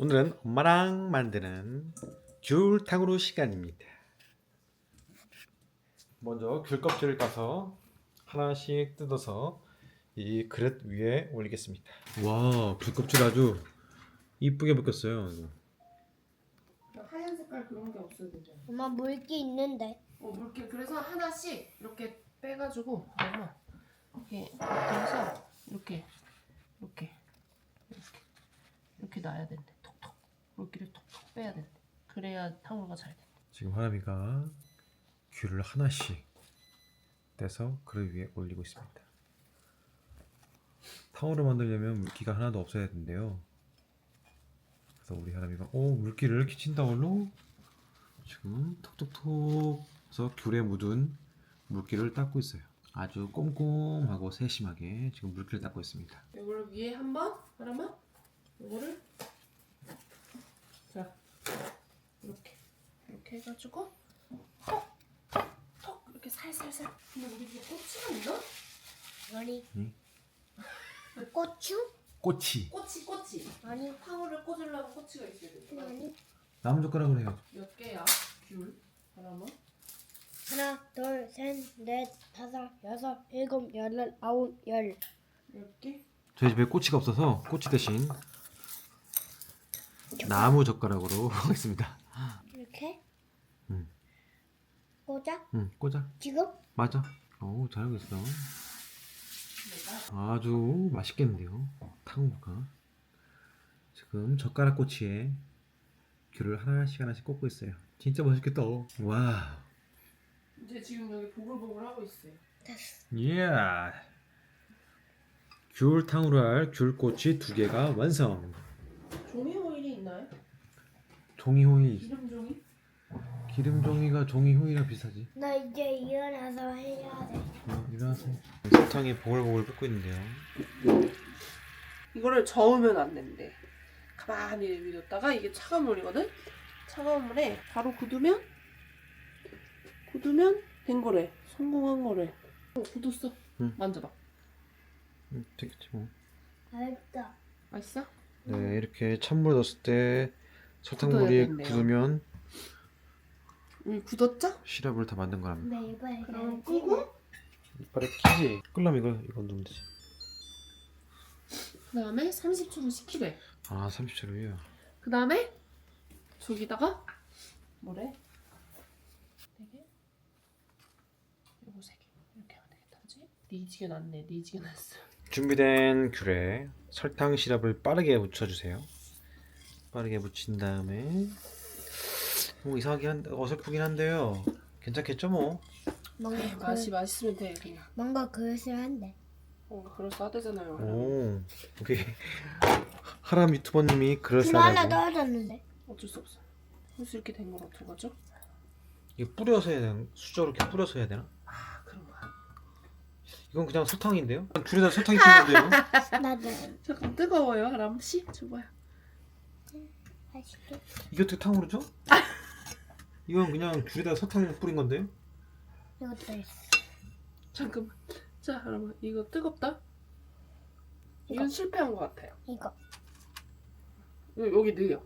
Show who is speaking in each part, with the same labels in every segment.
Speaker 1: 오늘은 엄마랑 만드는 귤탕후루 시간입니다. 먼저 귤 껍질을 까서 하나씩 뜯어서 이 그릇 위에 올리겠습니다. 와, 귤 껍질 아주 이쁘게 벗겼어요.
Speaker 2: 하얀 색깔 그런 게 없어야 되죠.
Speaker 3: 엄마 물기 있는데.
Speaker 2: 물기 그래서 하나씩 이렇게 빼가지고 엄마 이렇게 해서 이렇게 놔야 된대. 톡톡 물기를 톡톡 빼야 된대. 그래야 탕후루가 잘 돼.
Speaker 1: 지금 하람이가 귤을 하나씩 떼서 그릇 위에 올리고 있습니다. 탕후루 만들려면 물기가 하나도 없어야 된대요. 그래서 우리 하람이가 물기를 키친타올로 지금 톡톡톡 해서 귤에 묻은 물기를 닦고 있어요. 아주 꼼꼼하고 세심하게 지금 물기를 닦고 있습니다.
Speaker 2: 이거를 위에 한번 하나만 이거를 자 이렇게 해가지고 톡톡 이렇게 살살살. 근데 우리 집에 꼬치가 있나?
Speaker 3: 아니.
Speaker 1: 응?
Speaker 3: 고추?
Speaker 1: 꼬치.
Speaker 2: 꼬치.
Speaker 3: 아니.
Speaker 2: 탕후루를 꽂으려면 꼬치가 있어야 돼.
Speaker 3: 아니.
Speaker 1: 나무젓가락으로 해야죠.
Speaker 2: 몇 개야? 귤 하나만?
Speaker 3: 하나, 둘, 셋, 넷, 다섯, 여섯, 일곱, 여덟, 아홉, 열.
Speaker 2: 10개?
Speaker 1: 저희 집에 꼬치가 없어서 꼬치 대신 나무젓가락으로 하겠습니다.
Speaker 3: 이렇게?
Speaker 1: 응.
Speaker 3: 꽂아?
Speaker 1: 응, 꽂아.
Speaker 3: 지금?
Speaker 1: 맞아. 오, 잘하고 있어. 아주 맛있겠는데요. 탕후루가. 지금 젓가락 꼬치에 귤을 하나씩 꽂고 있어요. 진짜 맛있겠다. 와.
Speaker 2: 이제 지금 여기 보글보글 하고 있어요.
Speaker 3: 됐어.
Speaker 1: 예. 귤 탕후루 할 귤꼬치 2개가 완성.
Speaker 2: 종이 호일이 있나요?
Speaker 1: 종이호이.
Speaker 2: 기름 종이?
Speaker 1: 기름종이가 종이호이랑 비슷하지.
Speaker 3: 나 이제 일어나서 해야 돼.
Speaker 1: 일어나서 설탕에 보글보글 끓고 있는데요.
Speaker 2: 이거를 저으면 안 된대. 가만히 놔뒀다가 이게 차가운 물이거든? 차가운 물에 바로 굳으면 된 거래. 성공한 거래. 굳었어.
Speaker 1: 응.
Speaker 2: 만져봐.
Speaker 1: 되겠지 뭐.
Speaker 3: 알겠다.
Speaker 2: 맛있어?
Speaker 1: 네, 이렇게 찬물 넣었을 때
Speaker 2: 굳어야
Speaker 1: 설탕물이
Speaker 2: 된대요.
Speaker 1: 굳으면
Speaker 2: 굳었죠?
Speaker 1: 시럽을 다 만든 거랍니다.
Speaker 3: 네, 이번에
Speaker 2: 그럼 끄고
Speaker 1: 이빨에 끼지. 끓려면 이건 넣으면 되지.
Speaker 2: 그 다음에 30초로 식히래.
Speaker 1: 아, 30초로요.
Speaker 2: 그 다음에 저기다가 뭐래? 4개? 요거 3개 이렇게 하면 되겠다. 그치? 니지게 났네. 니지게 났어.
Speaker 1: 준비된 귤에 설탕 시럽을 빠르게 묻혀주세요. 빠르게 묻힌 다음에 이상하긴 어설프긴 한데요. 괜찮겠죠 뭐.
Speaker 3: 뭔가
Speaker 2: 맛이 맛있으면 돼 그냥.
Speaker 3: 뭔가 그릇을 한대.
Speaker 2: 그럴싸하대잖아요.
Speaker 1: 오, 우리 하람 유튜버님이
Speaker 3: 이거 하나
Speaker 1: 그럴싸하다고.
Speaker 3: 떨어졌는데.
Speaker 2: 어쩔 수 없어. 그래서 이렇게 된 건 어떡하죠?
Speaker 1: 이게 뿌려서 해야 되나? 수저로 이렇게 뿌려서 해야 되나?
Speaker 2: 아 그런 거야.
Speaker 1: 이건 그냥 설탕인데요? 귤에다 설탕이 튀는데요?
Speaker 3: 나도
Speaker 2: 잠깐 뜨거워요. 하람 씨 줘봐요.
Speaker 3: 맛있게.
Speaker 1: 이게 어떻게 탕후루죠? 이건 그냥 귤에다 설탕 뿌린 건데.
Speaker 3: 이것도 있어.
Speaker 2: 잠깐만. 자 여러분 이거 뜨겁다. 이건 실패한 것 같아요.
Speaker 3: 이거.
Speaker 2: 여기 넣어요.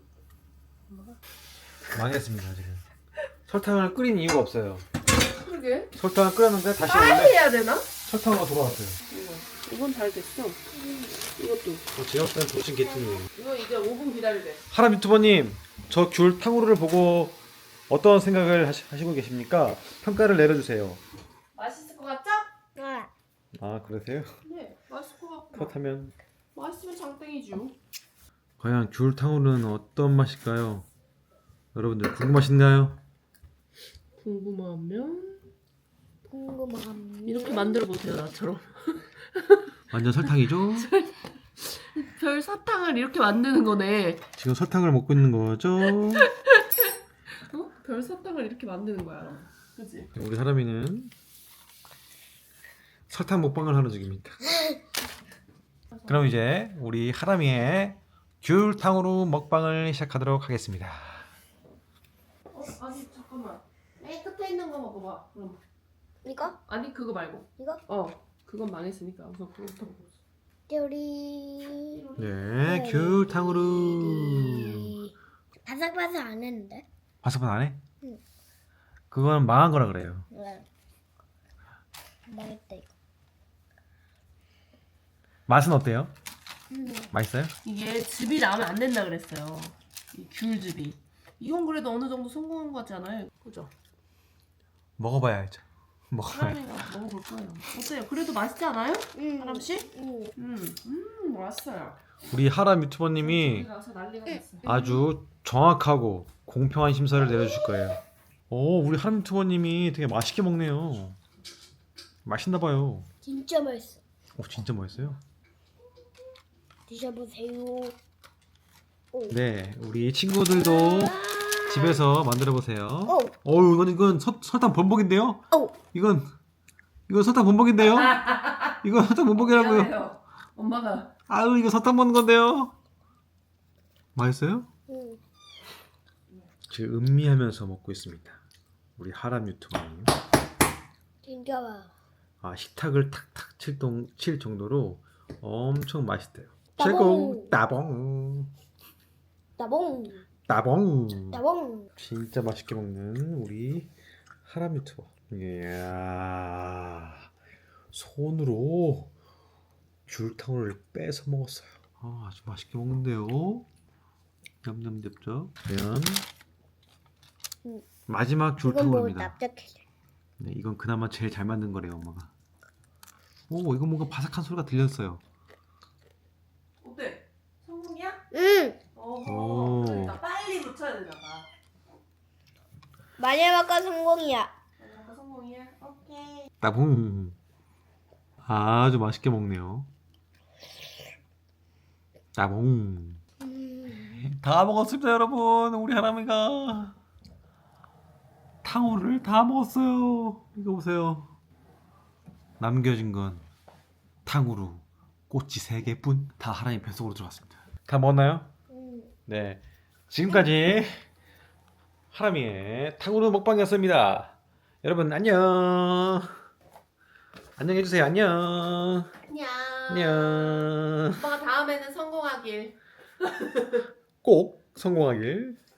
Speaker 1: 망했습니다 지금. 설탕을 끓인 이유가 없어요.
Speaker 2: 그러게.
Speaker 1: 설탕을 끓였는데 다시
Speaker 2: 빨리
Speaker 1: 원래
Speaker 2: 해야 되나?
Speaker 1: 설탕으로 돌아왔어요.
Speaker 2: 이건 잘 됐어. 이것도.
Speaker 1: 제가 봤을 땐 도친 개통이에요.
Speaker 2: 이거 이제 5분 기다리래.
Speaker 1: 하람 유튜버님, 저 귤 탕후루를 보고 어떤 생각을 하시고 계십니까? 평가를 내려주세요.
Speaker 2: 맛있을 것 같죠?
Speaker 3: 아,
Speaker 1: 아, 그러세요?
Speaker 2: 네, 맛있을 것 같고.
Speaker 1: 그렇다면
Speaker 2: 맛있으면 장땡이죠.
Speaker 1: 과연 귤 탕후루는 어떤 맛일까요? 여러분들 궁금하신가요?
Speaker 2: 궁금하면
Speaker 3: 궁금함.
Speaker 2: 이렇게 만들어 보세요, 나처럼.
Speaker 1: 완전 설탕이죠?
Speaker 2: 별 사탕을 이렇게 만드는 거네.
Speaker 1: 지금 설탕을 먹고 있는 거죠?
Speaker 2: 어? 별 사탕을 이렇게 만드는 거야. 그치?
Speaker 1: 우리 사람이는 설탕 먹방을 하는 중입니다. 그럼 이제 우리 하람이의 귤 탕후루 먹방을 시작하도록 하겠습니다.
Speaker 2: 아니 잠깐만. 맨 끝에 있는 거 먹어봐. 그럼.
Speaker 3: 이거?
Speaker 2: 아니 그거 말고.
Speaker 3: 이거?
Speaker 2: 그건 망했으니까 우선 그거부터 먹어.
Speaker 3: 요리.
Speaker 1: 네, 귤 탕후루.
Speaker 3: 바삭바삭 안 했는데.
Speaker 1: 바삭바삭 안 해?
Speaker 3: 응.
Speaker 1: 그건 망한 거라 그래요.
Speaker 3: 네. 망했다 이거.
Speaker 1: 맛은 어때요?
Speaker 3: 음.
Speaker 1: 맛있어요?
Speaker 2: 이게 즙이 나오면 안 된다 그랬어요. 이 귤즙이. 이건 그래도 어느 정도 성공한 거 같지 않아요? 그죠?
Speaker 1: 먹어봐야 알죠. 먹어봐야.
Speaker 2: 하람이가 먹어볼 거예요. 어때요? 그래도 맛있지 않아요? 하람 씨?
Speaker 3: 음.
Speaker 2: 맛있어요.
Speaker 1: 우리 하람 유튜버님이
Speaker 2: 가서 난리가 났어.
Speaker 1: 아주 정확하고 공평한 심사를 내려주실 거예요. 오, 우리 하람 유튜버님이 되게 맛있게 먹네요. 맛있나 봐요.
Speaker 3: 진짜 맛있어.
Speaker 1: 오, 진짜 맛있어요.
Speaker 3: 드셔보세요. 오.
Speaker 1: 네, 우리 친구들도 집에서 만들어 보세요.
Speaker 3: 오.
Speaker 1: 어우, 이건 설탕 범벅인데요?
Speaker 3: 오.
Speaker 1: 이건 설탕 범벅인데요? 이건 설탕 범벅이라고요.
Speaker 2: 미안해요. 엄마가
Speaker 1: 아유, 이거 설탕 먹는 건데요. 맛있어요?
Speaker 3: 음.
Speaker 1: 지금 음미하면서 먹고 있습니다. 우리 하람 유튜버님.
Speaker 3: 진짜 맛.
Speaker 1: 아, 식탁을 탁탁 칠 정도로 엄청 맛있대요.
Speaker 3: 따봉.
Speaker 1: 최고 따봉
Speaker 3: 따봉.
Speaker 1: 따봉.
Speaker 3: 따봉.
Speaker 1: 진짜 맛있게 먹는 우리 하람 유튜버. 이야, 손으로 귤탕을 빼서 먹었어요. 아, 아주 맛있게 먹는데요. 냠냠쩝쩝. 과연
Speaker 3: 음.
Speaker 1: 마지막
Speaker 3: 이건 뭐
Speaker 1: 귤탕으로입니다.
Speaker 3: 납작해.
Speaker 1: 네, 이건 그나마 제일 잘 만든 거래요, 엄마가. 오, 이거 뭔가 바삭한 소리가 들렸어요.
Speaker 2: 어때? 성공이야?
Speaker 3: 응.
Speaker 1: 오.
Speaker 2: 그러니까 빨리 붙여야 되나 봐.
Speaker 3: 마지막과 성공이야.
Speaker 2: 아까 성공이야? 오케이.
Speaker 1: 따봉. 아주 맛있게 먹네요. 따봉. 다 먹었습니다, 여러분. 우리 하람이가 탕후루를 다 먹었어요. 이거 보세요. 남겨진 건 탕후루 꼬치 3개뿐. 다 하람이 뱃속으로 들어갔습니다. 다 먹었나요? 네. 지금까지 하람이의 탕후루 먹방이었습니다. 여러분 안녕. 안녕해주세요. 안녕.
Speaker 2: 안녕.
Speaker 1: 안녕.
Speaker 2: 오빠가 다음에는 성공하길.
Speaker 1: 꼭 성공하길.